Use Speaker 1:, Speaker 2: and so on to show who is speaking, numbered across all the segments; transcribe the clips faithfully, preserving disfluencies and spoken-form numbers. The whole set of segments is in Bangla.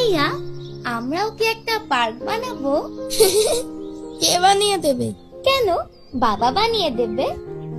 Speaker 1: ভাইয়া, আমরাও কি একটা পার্ক বানাবো?
Speaker 2: কে বানিয়ে দেবে?
Speaker 1: কেন, বাবা বানিয়ে দেবে।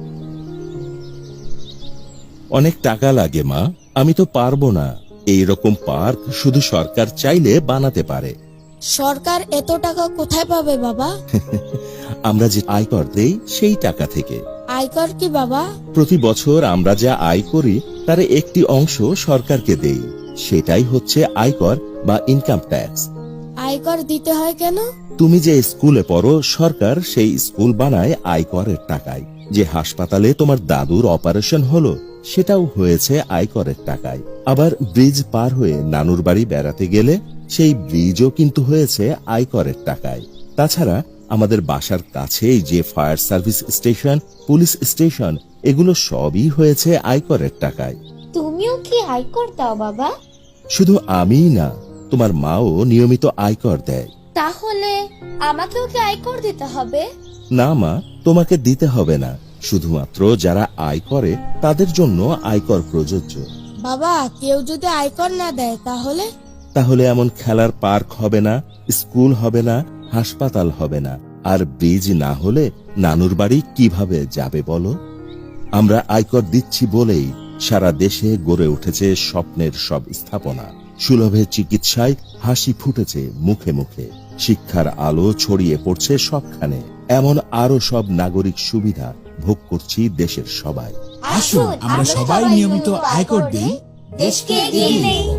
Speaker 3: অনেক টাকা লাগে মা, আমি তো পারবো না। এইরকম পার্ক শুধু সরকার চাইলে বানাতে পারে।
Speaker 2: সরকার এত টাকা কোথায় পাবে বাবা?
Speaker 3: আমরা যে আয়কর দেই সেই টাকা থেকে।
Speaker 2: আয়কর কি বাবা?
Speaker 3: প্রতি বছর আমরা যা আয় করি তার একটি অংশ সরকারকে দেই, সেটাই হচ্ছে আয়কর বা ইনকাম ট্যাক্স।
Speaker 2: আয়কর দিতে হয় কেন?
Speaker 3: তুমি যে স্কুলে পড়ো, সরকার সেই স্কুল বানায় আয়করের টাকায়। যে হাসপাতালে তোমার দাদুর অপারেশন হলো, সেটাও হয়েছে আয়করের টাকায়। আবার ব্রিজ পার হয়ে নানুর বাড়ি বেড়াতে গেলে সেই ব্রিজও কিন্তু হয়েছে আয়করের টাকায়। তাছাড়া আমাদের বাসার কাছেই যে fire service station, police station, এগুলো সবই হয়েছে আয়করের টাকায়।
Speaker 1: তুমিও কি আয়কর দাও বাবা?
Speaker 3: শুধু আমিই না, তোমার মাও নিয়মিত আয়কর দেয়।
Speaker 1: তাহলে আমাকেও কি আয়কর দিতে হবে?
Speaker 3: না মা, তোমাকে দিতে হবে না, শুধুমাত্র যারা আয় করে তাদের জন্য আয়কর প্রযোজ্য।
Speaker 2: বাবা, কেউ যদি আয়কর না দেয় তাহলে?
Speaker 3: তাহলে এমন খেলার পার্ক হবে না, স্কুল হবে না, হাসপাতাল হবে না, আর ব্রিজ না হলে নানুর বাড়ি কিভাবে যাবে বলো? আমরা আয়কর দিচ্ছি বলেই সারা দেশে গড়ে উঠেছে স্বপ্নের সব স্থাপনা। সুলভে চিকিৎসায় হাসি ফুটেছে মুখে মুখে, শিক্ষার আলো ছড়িয়ে পড়ছে সবখানে। এমন আরো সব নাগরিক সুবিধা ভোগ করছি দেশের সবাই।
Speaker 4: আসুন আমরা সবাই নিয়মিত আয়কর দিই, দেশকে এগিয়ে নেই।